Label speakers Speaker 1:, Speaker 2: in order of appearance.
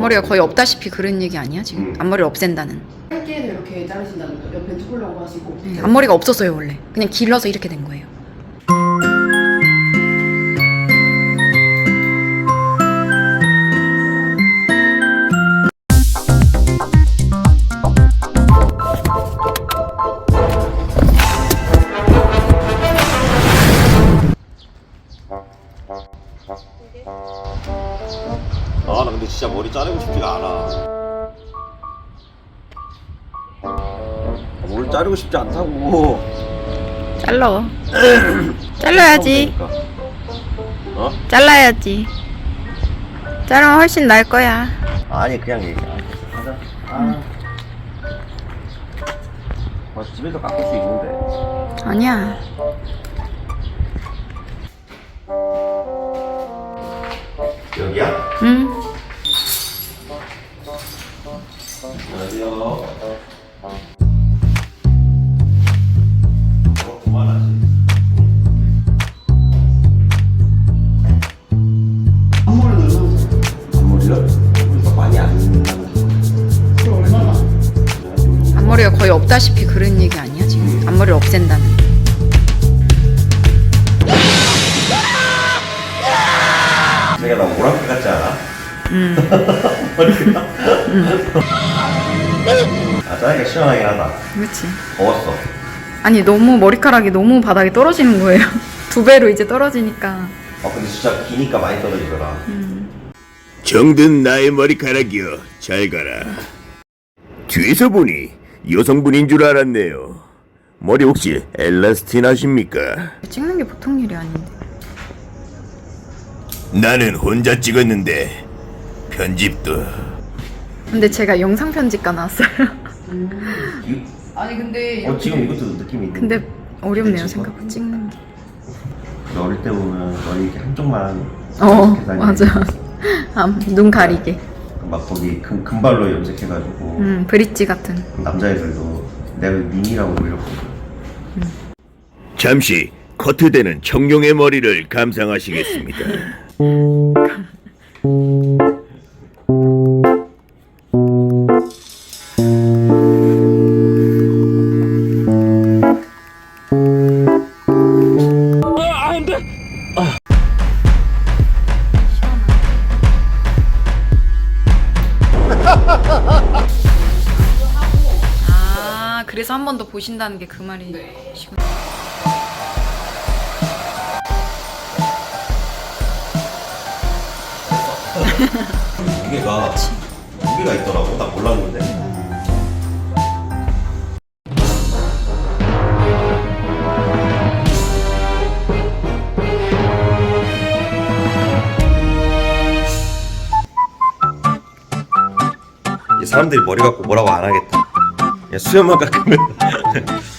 Speaker 1: 앞머리가 거의 없다시피 그런 얘기 아니야 지금? 앞머리를 없앤다는.
Speaker 2: 짧게도 이렇게 자르신다는 거. 옆에 두블럭으로 하시고.
Speaker 1: 네, 앞머리가 없었어요 원래. 그냥 길러서 이렇게 된 거예요.
Speaker 3: 아, 나 근데 진짜 머리 자르고 싶지가 않아. 머리 자르고 싶지 않다고.
Speaker 1: 잘라. 잘라야지.
Speaker 3: 그러니까. 어?
Speaker 1: 잘라야지. 자르면 훨씬 나을 거야.
Speaker 3: 아니, 그냥 얘기. 하자. 집에서 깎을 수 있는데.
Speaker 1: 아니야.
Speaker 3: 여기야?
Speaker 1: 응.
Speaker 3: 안녕하세요. 그만하지. 앞머리요? 앞머리가 많이 안 나는.
Speaker 1: 앞머리가 거의 없다시피 그런 얘기 아니야 지금? 앞머리를 없앤다는.
Speaker 3: 내가 나 오랑캐 같지 않아? 머리가. 아, 자르기가 시원하긴 하다.
Speaker 1: 그렇지.
Speaker 3: 더웠어.
Speaker 1: 아니 너무 머리카락이 너무 바닥에 떨어지는 거예요. 2배로 이제 떨어지니까.
Speaker 3: 아, 근데 진짜 기니까 많이 떨어지더라.
Speaker 4: 정든 나의 머리카락이여 잘 가라. 뒤에서 보니 여성분인 줄 알았네요. 머리 혹시 엘라스틴 하십니까?
Speaker 1: 찍는 게 보통 일이 아닌데.
Speaker 4: 나는 혼자 찍었는데 편집도.
Speaker 1: 근데 제가 영상 편집가 나왔어요.
Speaker 2: 아니 근데
Speaker 3: 지금 이것도 느낌이 있는데.
Speaker 1: 근데 어렵네요
Speaker 3: 그치?
Speaker 1: 생각보다 찍는 게.
Speaker 3: 어릴 때 보면 머리 이렇게 한쪽만 이렇게 다니는
Speaker 1: 맞아. 눈 가리게.
Speaker 3: 막 거기 금발로 염색해가지고
Speaker 1: 브릿지 같은.
Speaker 3: 남자애들도 내가 미니라고 불렸거든.
Speaker 4: 잠시 커트되는 청룡의 머리를 감상하시겠습니다.
Speaker 1: 아 그래서 한 번 더 보신다는 게 그 말이시구나.
Speaker 3: 무게가 있더라고. 나 몰랐는데. 이 사람들이 머리 갖고 뭐라고 안 하겠다. 야, 수염만 깎으면